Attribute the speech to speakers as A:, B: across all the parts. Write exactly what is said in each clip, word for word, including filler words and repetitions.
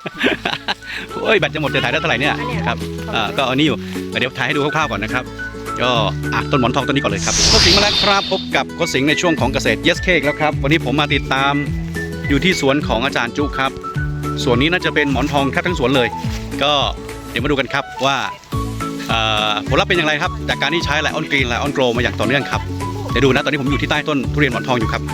A: โอ้ยแบตจะหมดจะถ่ายได้เท่าไหร่เนี่ยครับอ่าก็เอานี่อยู่เดี๋ยวถ่ายให้ดูคร่าวๆก่อนนะครับก็อ่ะต้นหมอนทองต้นนี้ก่อนเลยครับโค้ชสิงห์มาแล้วครับพบกับโค้ชสิงห์ในช่วงของเกษตร Yes Cake แล้วครับวันนี้ผมมาติดตามอยู่ที่สวนของอาจารย์จุครับสวนนี้น่าจะเป็นหมอนทองแทบทั้งสวนเลยก็เดี๋ยวมาดูกันครับว่าผลลัพธ์เป็นอย่างไรครับจากการที่ใช้ไลออนกรีนไลออนโกลมาอย่างต่อเนื่องครับเดี๋ยวดูนะตอนนี้ผมอยู่ที่ใต้ต้นทุเรียนหมอนทองอยู่ครับ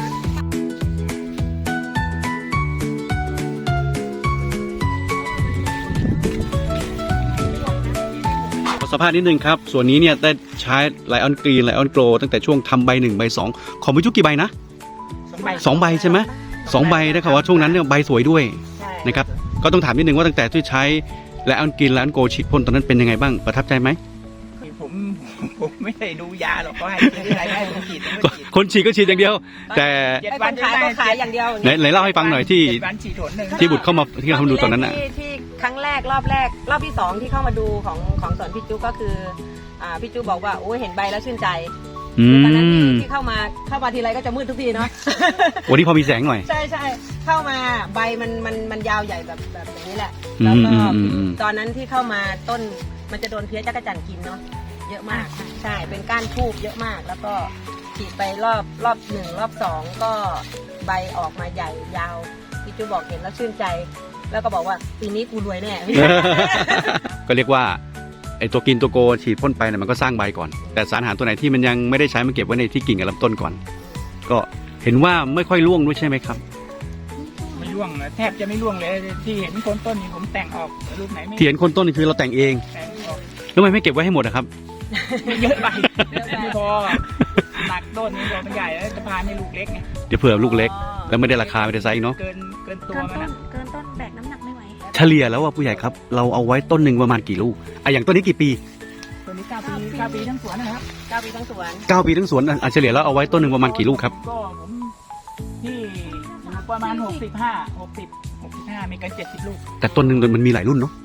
A: สภาพนิดนึงครับส่วนนี้เนี่ยได้ใช้ไลออนกรีนไลออนโกลตั้งแต่ช่วงทำใบหนึ่งใบสองของพี่จุ๊กกี่ใบนะสองใบใช่ไหมสองใบนะครับว่าช่วงนั้นเนี่ยใบสวยด้วยนะครับก็ต้องถามนิดนึงว่าตั้งแต่ที่ใช้ไลออนกรีนไลออนโกลฉีดพ่นตอนนั้นเป็นยังไงบ้างประทับใจไหม
B: ผมผมไม่ได้ดูยาหรอกเขาให้อะไรให้ผมฉีด
A: คนฉีดก็ฉีดอย่างเดียวแต่
C: วันขายก็ขายอย่างเดียว
A: ไหนไหนเล่าให้ฟังหน่อยที่ที่บุตรเข้ามาที่เราดูตอนนั้นน่ะ
C: ที่ครั้งแรกรอบแรกรอบที่สองที่เข้ามาดูของของสวนพี่จุ๊กก็คืออ่าพี่จุ๊กบอกว่าโอ้เห็นใบแล้วชื่นใจตอนนั้นที่เข้ามาเข้ามาทีไรก็จะมืดทุกทีเนาะ
A: วันนี้พอมีแสงหน่อย
C: ใช่ใช่เข้ามาใบมันมันมันยาวใหญ่แบบแบบอย่างนี้แหละแล้วก็ตอนนั้นที่เข้ามาต้นมันจะโดนเพี้ยจักรจั่นกินเนาะเยอะมากใช่เป็นก้านทูบเยอะมากแล้วก็ฉีดไปรอบรอบหนึ่งรอบสองก็ใบออกมาใหญ่ยาวพี่จุ๊กบอกเห็นแล้วชื่นใจแล้วก็บอกว่าปีนี้กูรวยแน่
A: ก็เรียกว่าไอตัวกินตัวโกฉีดพ่นไปเนี่ยมันก็สร้างใบก่อนแต่สารอาหารตัวไหนที่มันยังไม่ได้ใช้มันเก็บไว้ในที่กิ่งกับลำต้นก่อนก็เห็นว่าไม่ค่อยร่วงด้วยใช่ไหมครับ
B: ไม่ร่วงนะแทบจะไม่ร่วงเลยที่เห็นโคนต้นนี่ผมแต่งออกรูปไหนไม่
A: ที่เห็นโคนต้นนี่คือเราแต่งเองแล้วทำไมไม่เก็บไว้ให้หมดนะครับ
B: เยอะไปไม่พอหนักต้นนี่ตัวมันใหญ่แล้วจะพาให้ลูกเล็กไง
A: เดี๋ยวเผื่อลูกเล็กแล้วไม่ได้ราคาไม่ได้ไซส์เนาะ
B: เกินเกินตัวมัน
C: เกินต้นแบกน้ำหนักไม่ไหว
A: เฉลี่ยแล้วว่าผู้ใหญ่ครับเราเอาไว้ต้นหนึ่งประมาณกี่ลูกอ่ะอย่างต้นนี้กี่ปี
B: ต้นนี้เก้าปีเก้าปีทั้งสวนนะครับ
C: เก้าปีทั้งสวน
A: เก้าปีทั้งสวนอ่ะเฉลี่ยแล้วเอาไว้ต้นหนึ่งประมาณกี่ลูกครับ
B: ก็ผมที่ประมาณหกสิบห้าหกสิบหกสิบห้ามีกันเจ็ดสิบลูก
A: แต่ต้นหนึ่งมันมีหลายรุ่นเนาะ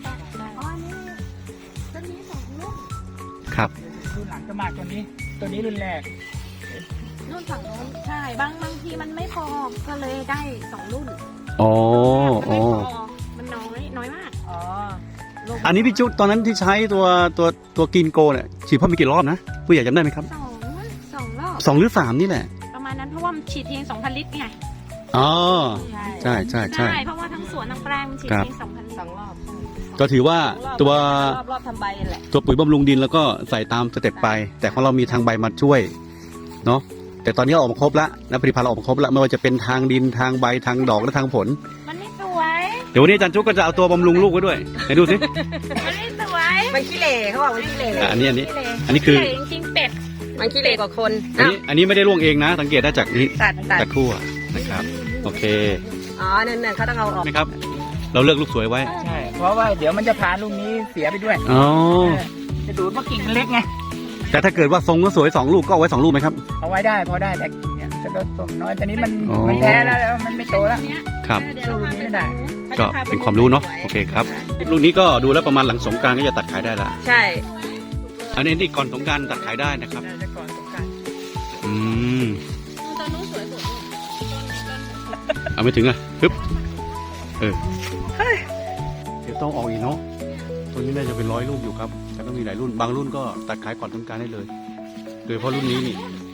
A: ครับ
B: รุ่นหลังจะมากตัวนี้ตัวนี้รุ่นแรก
C: รุ่นฝั่งโน้นใช่บางบางทีมันไม่พอก็เลยได้สองรุ่น
A: อ๋ออ๋อ
C: มันน้อยน้อยมากอ๋อ
A: อันนี้พี่จุ๊ตอนนั้นที่ใช้ตัวตัวตัวกินโกเนี่ยฉีดพ่นไปกี่รอบนะผู้ใหญ่จำได้ไหมครับ
C: สองสองรอบ
A: สองหรือสามนี่แหละ
C: ประมาณนั้นเพราะว่ามันฉีดเพียงสองพันลิตรไง
A: อ๋อใช่ใช่ใช่
C: เพราะว่าทั้งสวนทั้งแปลงมันฉีดเพียงสองพันสองรอบ
A: ก็ถือว่าตัว
C: รอบรอบทำใบแหละ
A: ตัวปุ๋ยบำรุงดินแล้วก็ใส่ตามสเต็ปไปแต่ของเรามีทางใบมาช่วยเนาะแต่ตอนนี้ออกมาครบแล้วนะผลิตภัณฑ์เราออกมาครบแล้วไม่ว่าจะเป็นทางดินทางใบทางดอกและทางผล
C: มันไม่สวย
A: เดี๋ยววันนี้อาจารย์จุ๊กก็จะเอาตัวบำรุงลูกไว้ด้วยไหนดูสิ
C: มันไม่สวยมันขี้เหร่เขาบอกมันขี้เหร่
A: อันนี้อันนี้อันนี้คือ
C: จริงเป็ดมันขี้เหร่กว่าคน
A: อันนี้อันนี้ไม่ได้ร่วงเองนะสังเกตได้จากนี้
C: ตัดตัด
A: คู่นะครับโอเค
C: อ๋อนั่นๆเขาต้องเอาออก
A: ไหมครับเราเลือกลูกสวยไว้
B: ใช่เพราะว่าเดี๋ยวมันจะพาลูกนี้เสียไปด้วย
A: อ๋อ
B: จะดูดว่ากิ่งมันเล็กไง
A: แต่ถ้าเกิดว่าทรงก็สวยสองลูกก็เอาไว้สองลูกไหมครับ
B: เอาไว้ได้พอได้แต่เนี่ยจะลดต้นน้อยตอนนี้มันมันแพ้แล้วมันไม่โตแล้ว
A: ครับ
B: ลูกนี้ไม่ได้
A: ก็เป็นความรู้เนาะโอเคครับลูกนี้ก็ดูแล้วประมาณหลังสงกรานต์ก็จะตัดขายได้ละ
C: ใช่
A: อันนี้นี่ก่อนสงกรานต์ตัดขายได้นะครับ
B: ก่อนสงกรานต์
A: อืมตอนนู้นสวยสุดเอาไม่ถึงอ่ะปึ๊บเออเดี๋ยวต้องออกอีกเนาะตัวนี้น่าจะเป็นร้อยลูกอยู่ครับแต่ก็มีหลายรุ่นบางรุ่นก็ตัดขายก่อนสงกรานต์ได้เลยโดยเฉพาะรุ่นนี้นี่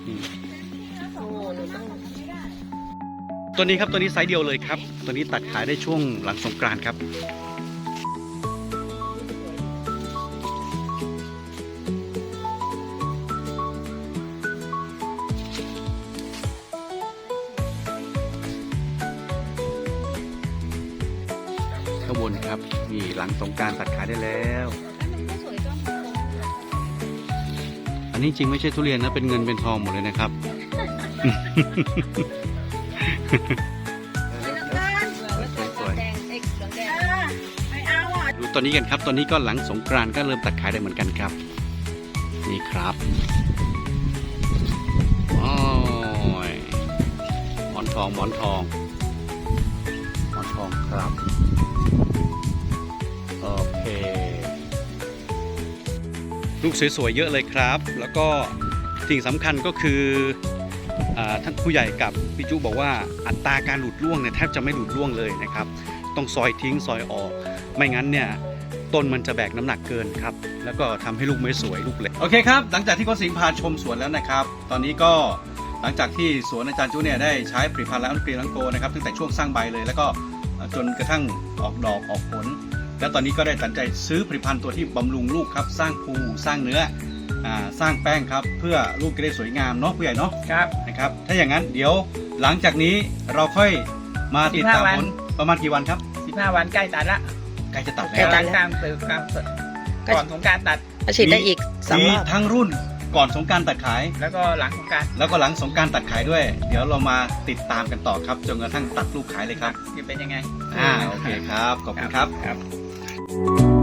A: ตัวนี้ครับตัวนี้ไซส์เดียวเลยครับตัวนี้ตัดขายได้ช่วงหลังสงกรานต์ครับข้างบนครับนี่หลังสงกรานต์ตัดขายได้แล้วอันนี้จริงไม่ใช่ทุเรียนนะเป็นเงินเป็นทองหมดเลยนะครับดูตอนนี้กันครับตอนนี้ก็หลังสงกรานต์ก็เริ่มตัดขายได้เหมือนกันครับนี่ครับโอ้ยหมอนทองหมอนทองหมอนทองครับโอเคลูกสวยๆเยอะเลยครับแล้วก็สิ่งสำคัญก็คือท่านผู้ใหญ่กับพี่จุบอกว่าอัตราการหลุดร่วงเนี่ยแทบจะไม่หลุดร่วงเลยนะครับต้องซอยทิ้งซอยออก ไม่งั้นเนี่ยต้นมันจะแบกน้ำหนักเกินครับแล้วก็ทำให้ลูกไม่สวยลูกเล็กโอเคครับหลังจากที่โค้ชสิงห์พาชมสวนแล้วนะครับตอนนี้ก็หลังจากที่สวนอาจารย์จุเนี่ยได้ใช้ผลิตภัณฑ์และอันกรีนลังโกนะครับตั้งแต่ช่วงสร้างใบเลยแล้วก็จนกระทั่งออกดอกออกผลแล้วตอนนี้ก็ได้ตัดใจซื้อผลิตภัณฑ์ตัวที่บำรุงลูกครับสร้างภูสร้างเนื้ออ่าสร้างแป้งครับเพื่อลูกจะได้สวยงามเนาะผู้ใหญ่เนาะ
B: ครับ
A: นะครับถ้าอย่างนั้นเดี๋ยวหลังจากนี้เราค่อยมาติดตามผลประมาณกี่วันครับ
B: สิบห้าวันใกล้ตัดละ
A: ใกล้จะตัด
B: ใกล้
A: แล้ว
B: ตัดกลางตื่นกลางก่อนสงกรารตัด
C: ฉีดได้อีกสอง
A: มี
C: รอบ
A: ทั้งรุ่นก่อนสงกรารตัดขาย
B: แล้วก็หลังสงกราร
A: แล้วก็หลังสงกรารตัดขายด้วย เดี๋ยวเรามาติดตามกันต่อครับจนกระทั่งตัดลูกขายเลยครับ
B: จะเป็นยังไง
A: อ่าโอเคครับขอบคุณครับ
B: ครับ